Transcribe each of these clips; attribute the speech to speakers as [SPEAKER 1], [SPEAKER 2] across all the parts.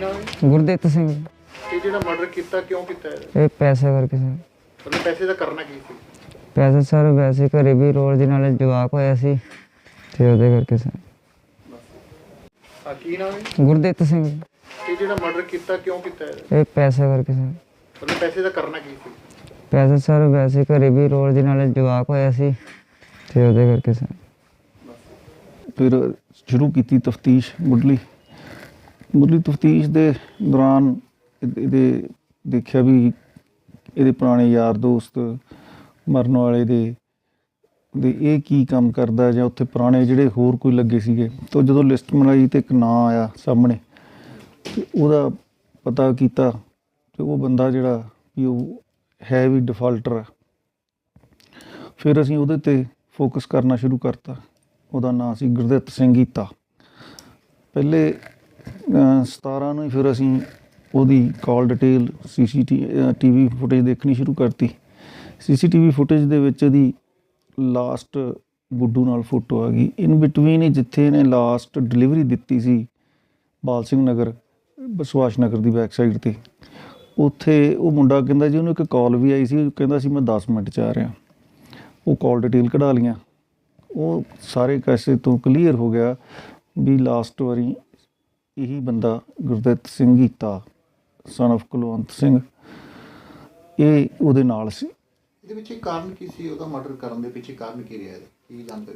[SPEAKER 1] ਨਾਮ ਹੈ?
[SPEAKER 2] ਗੁਰਦਿੱਤ ਸਿੰਘ।
[SPEAKER 1] ਇਹ ਜਿਹੜਾ ਮਰਡਰ ਕੀਤਾ ਕਿਉਂ ਕੀਤਾ ਹੈ?
[SPEAKER 2] ਇਹ ਪੈਸੇ ਕਰਕੇ ਸਰ।
[SPEAKER 1] ਮਤਲਬ ਪੈਸੇ ਦਾ ਕਰਨਾ ਕੀ ਸੀ?
[SPEAKER 2] ਪੈਸੇ ਸਰ ਵੈਸੇ ਘਰੇ ਵੀ ਰੋਜ਼ ਦੇ ਨਾਲ ਜਵਾਕ ਹੋਇਆ ਸੀ ਤੇ ਉਹਦੇ ਕਰਕੇ ਸਰ।
[SPEAKER 1] ਕੀ ਨਾਮ ਹੈ?
[SPEAKER 2] ਗੁਰਦਿੱਤ ਸਿੰਘ।
[SPEAKER 1] ਇਹ ਜਿਹੜਾ ਮਰਡਰ ਕੀਤਾ ਕਿਉਂ ਕੀਤਾ ਹੈ?
[SPEAKER 2] ਇਹ ਪੈਸੇ ਕਰਕੇ ਸਰ।
[SPEAKER 1] ਮਤਲਬ ਪੈਸੇ ਦਾ ਕਰਨਾ ਕੀ ਸੀ?
[SPEAKER 2] ਪੈਸੇ ਸਰ ਵੈਸੇ ਘਰੇ ਵੀ ਰੋਜ਼ ਦੇ ਨਾਲ ਜਵਾਕ ਹੋਇਆ ਸੀ ਤੇ ਉਹਦੇ ਕਰਕੇ ਸਰ।
[SPEAKER 3] ਫਿਰ ਸ਼ੁਰੂ ਕੀਤੀ ਤਫਤੀਸ਼ ਮੁੱਢਲੀ ਤਫਤੀਸ਼ ਦੇ ਦੌਰਾਨ ਇਹਦੇ ਦੇਖਿਆ ਵੀ ਇਹਦੇ ਪੁਰਾਣੇ ਯਾਰ ਦੋਸਤ ਮਰਨ ਵਾਲੇ ਦੇ ਇਹ ਕੀ ਕੰਮ ਕਰਦਾ ਜਾਂ ਉੱਥੇ ਪੁਰਾਣੇ ਜਿਹੜੇ ਹੋਰ ਕੋਈ ਲੱਗੇ ਸੀਗੇ। ਤਾਂ ਜਦੋਂ ਲਿਸਟ ਬਣਾਈ ਤੇ ਇੱਕ ਨਾਂ ਆਇਆ ਸਾਹਮਣੇ ਤੇ ਉਹਦਾ ਪਤਾ ਕੀਤਾ ਤੇ ਉਹ ਬੰਦਾ ਜਿਹੜਾ ਵੀ ਉਹ ਹੈ ਵੀ ਡਿਫਾਲਟਰ ਆ। ਫਿਰ ਅਸੀਂ ਉਹਦੇ 'ਤੇ ਫੋਕਸ ਕਰਨਾ ਸ਼ੁਰੂ ਕਰਤਾ। ਉਹਦਾ ਨਾਂ ਸੀ ਗੁਰਦਿੱਤ ਸਿੰਘ ਹੀਤਾ। ਪਹਿਲੇ 17 ਨੂੰ ਹੀ ਫਿਰ ਅਸੀਂ ਉਹਦੀ ਕਾਲ ਡਿਟੇਲ CCTV ਫੁਟੇਜ ਦੇਖਣੀ ਸ਼ੁਰੂ ਕਰਤੀ। CCTV ਫੁਟੇਜ ਦੇ ਵਿੱਚ ਇਹਦੀ ਲਾਸਟ ਗੁੱਡੂ ਨਾਲ ਫੋਟੋ ਆ ਗਈ। ਇਨ ਬਿਟਵੀਨ ਹੀ ਜਿੱਥੇ ਇਹਨੇ ਲਾਸਟ ਡਿਲੀਵਰੀ ਦਿੱਤੀ ਸੀ ਬਾਲ ਸਿੰਘ ਨਗਰ ਸੁਭਾਸ਼ ਨਗਰ ਦੀ ਬੈਕ ਸਾਈਡ 'ਤੇ, ਉੱਥੇ ਉਹ ਮੁੰਡਾ ਕਹਿੰਦਾ ਜੀ ਉਹਨੂੰ ਇੱਕ ਕਾਲ ਵੀ ਆਈ ਸੀ। ਉਹ ਕਹਿੰਦਾ ਸੀ ਮੈਂ 10 ਮਿੰਟ 'ਚ ਆ ਰਿਹਾ। ਉਹ ਕਾਲ ਡਿਟੇਲ ਕਢਾ ਲਈਆਂ। ਉਹ ਸਾਰੇ ਕਾਸੇ ਤੋਂ ਕਲੀਅਰ ਹੋ ਗਿਆ ਵੀ ਲਾਸਟ ਵਾਰੀ ਇਹੀ ਬੰਦਾ ਗੁਰਦਿੱਤ ਸਿੰਘ ਹੀਤਾ ਸਨ ਆਫ ਕੁਲਵੰਤ ਸਿੰਘ ਇਹ ਉਹਦੇ ਨਾਲ ਸੀ।
[SPEAKER 1] ਇਹਦੇ ਪਿੱਛੇ ਕਾਰਨ ਕੀ ਸੀ? ਉਹਦਾ ਮਰਡਰ ਕਰਨ ਦੇ ਪਿੱਛੇ ਕਾਰਨ ਕੀ ਰਿਹਾ? ਕੀ ਜਾਣਕਾਰੀ?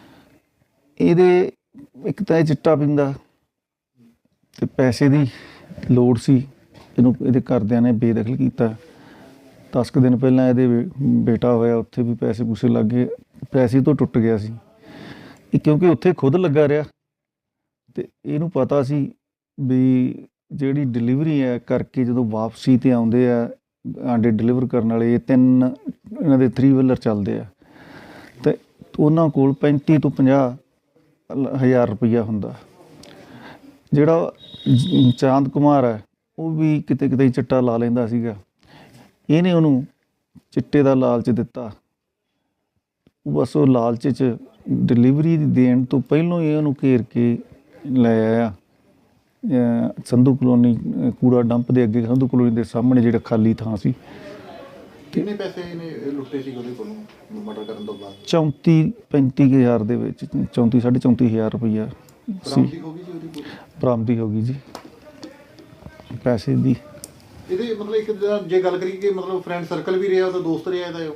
[SPEAKER 3] ਇਹਦੇ ਇੱਕ ਤਾਂ ਇਹ ਚਿੱਟਾ ਪੀਂਦਾ ਤੇ ਪੈਸੇ ਦੀ ਲੋੜ ਸੀ। ਇਹਦੇ ਘਰਦਿਆਂ ਨੇ ਬੇਦਖਲ ਕੀਤਾ। 10 ਕੁ ਦਿਨ ਪਹਿਲਾਂ ਇਹਦੇ ਬੇਟਾ ਹੋਇਆ, ਉੱਥੇ ਵੀ ਪੈਸੇ ਪੂਸੇ ਲੱਗ ਗਏ। ਪੈਸੇ ਤੋਂ ਟੁੱਟ ਗਿਆ ਸੀ ਇਹ ਕਿਉਂਕਿ ਉੱਥੇ ਖੁਦ ਲੱਗਾ ਰਿਹਾ ਤੇ ਇਹਨੂੰ ਪਤਾ ਸੀ ਵੀ ਜਿਹੜੀ ਡਿਲੀਵਰੀ ਹੈ ਕਰਕੇ ਜਦੋਂ ਵਾਪਸੀ 'ਤੇ ਆਉਂਦੇ ਆ ਆਂਡੇ ਡਿਲੀਵਰ ਕਰਨ ਵਾਲੇ, ਇਹ 3 ਇਹਨਾਂ ਦੇ 3 ਵੀਲਰ ਚੱਲਦੇ ਆ ਅਤੇ ਉਹਨਾਂ ਕੋਲ 35 ਤੋਂ 50 ਹਜ਼ਾਰ ਰੁਪਈਆ ਹੁੰਦਾ। ਜਿਹੜਾ ਚਾਂਦ ਕੁਮਾਰ ਹੈ ਉਹ ਵੀ ਕਿਤੇ ਕਿਤੇ ਚਿੱਟਾ ਲਾ ਲੈਂਦਾ ਸੀਗਾ। ਇਹਨੇ ਉਹਨੂੰ ਚਿੱਟੇ ਦਾ ਲਾਲਚ ਦਿੱਤਾ। ਬਸ ਉਹ ਲਾਲਚ 'ਚ ਡਿਲੀਵਰੀ ਦੇਣ ਤੋਂ ਪਹਿਲੋਂ ਹੀ ਉਹਨੂੰ ਘੇਰ ਕੇ ਲੈ ਆਇਆ ਸੰਧੂ ਕਲੋਨੀ ਕੂੜਾ ਡੰਪ ਦੇ ਅੱਗੇ, ਸੰਧੂ ਕਲੋਨੀ ਦੇ ਸਾਹਮਣੇ ਜਿਹੜਾ ਖਾਲੀ ਥਾਂ ਸੀ।
[SPEAKER 1] ਕਿੰਨੇ ਪੈਸੇ ਇਹਨੇ ਲੁੱਟੇ ਸੀ ਉਹਦੇ ਕੋਲੋਂ ਮਰਡਰ ਕਰਨ ਤੋਂ ਬਾਅਦ?
[SPEAKER 3] 34-35 ਹਜ਼ਾਰ ਦੇ ਵਿੱਚ 34-34.5 ਹਜ਼ਾਰ ਰੁਪਈਆ ਸੀ। ਬਰਾਮਦੀ ਹੋ ਗਈ ਜੀ ਪੈਸੇ ਦੀ।
[SPEAKER 1] ਇਹਦੇ ਮਤਲਬ ਇੱਕ ਜੇ ਗੱਲ ਕਰੀਏ ਕਿ ਮਤਲਬ ਫਰੈਂਡ ਸਰਕਲ ਵੀ ਰਿਹਾ, ਉਹਦਾ ਦੋਸਤ ਰਿਹਾ ਇਹਦਾ?